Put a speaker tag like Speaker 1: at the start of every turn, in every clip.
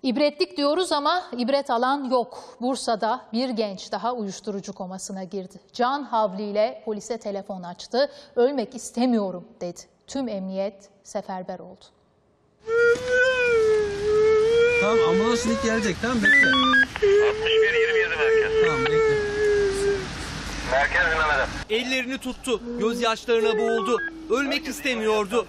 Speaker 1: İbretlik diyoruz ama ibret alan yok. Bursa'da bir genç daha uyuşturucu komasına girdi. Can havliyle polise telefon açtı. Ölmek istemiyorum dedi. Tüm emniyet seferber oldu.
Speaker 2: Tamam, ambulans şimdi gelecek, tamam, bekle.
Speaker 3: 61-27 merkez.
Speaker 2: Tamam, bekle.
Speaker 3: Merkez dinlemede.
Speaker 4: Ellerini tuttu, gözyaşlarına boğuldu. Ölmek istemiyordu.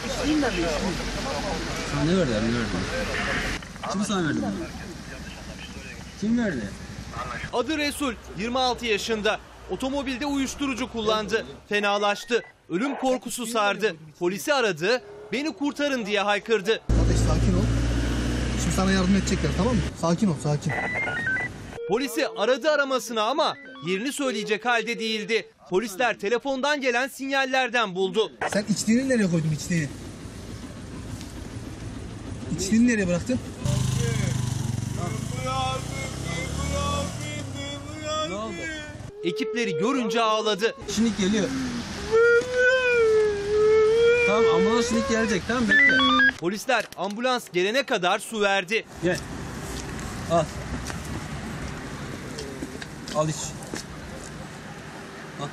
Speaker 2: Sana ne verdi? Ne verdi? Kim sana verdi? Kim verdi?
Speaker 4: Adı Resul, 26 yaşında. Otomobilde uyuşturucu kullandı. Fenalaştı. Ölüm korkusu sardı. Polisi aradı. Beni kurtarın diye haykırdı.
Speaker 5: Kardeş sakin ol. Şimdi sana yardım edecekler, tamam mı? Sakin ol, sakin.
Speaker 4: Polisi aradı aramasına ama yerini söyleyecek halde değildi. Polisler telefondan gelen sinyallerden buldu.
Speaker 5: Sen içtiğini nereye koydun, içtiğini? İçtiğini nereye bıraktın?
Speaker 2: Ne oldu?
Speaker 4: Ekipleri görünce ağladı.
Speaker 2: Şimdi geliyor. Tamam, ambulans şimdi gelecek, tamam, bekle.
Speaker 4: Polisler ambulans gelene kadar su verdi.
Speaker 2: Gel. Al. Al iç. Al.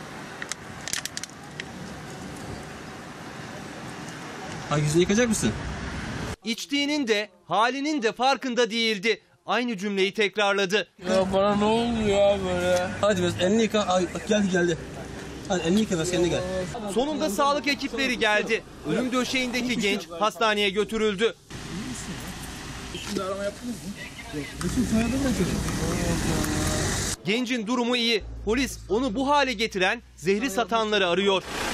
Speaker 2: Ha, yüzünü yıkacak mısın?
Speaker 4: İçtiğinin de halinin de farkında değildi. Aynı cümleyi tekrarladı.
Speaker 6: Ya bana ne oldu ya böyle?
Speaker 2: Hadi biraz elini yıka. Ay, bak geldi. Hadi elini yıka, biraz kendine gel.
Speaker 4: Sonunda sağlık ekipleri geldi. Ölüm döşeğindeki genç hastaneye götürüldü.
Speaker 6: Şimdi arama yaptınız mı?
Speaker 4: Gencin durumu iyi. Polis onu bu hale getiren zehri satanları arıyor.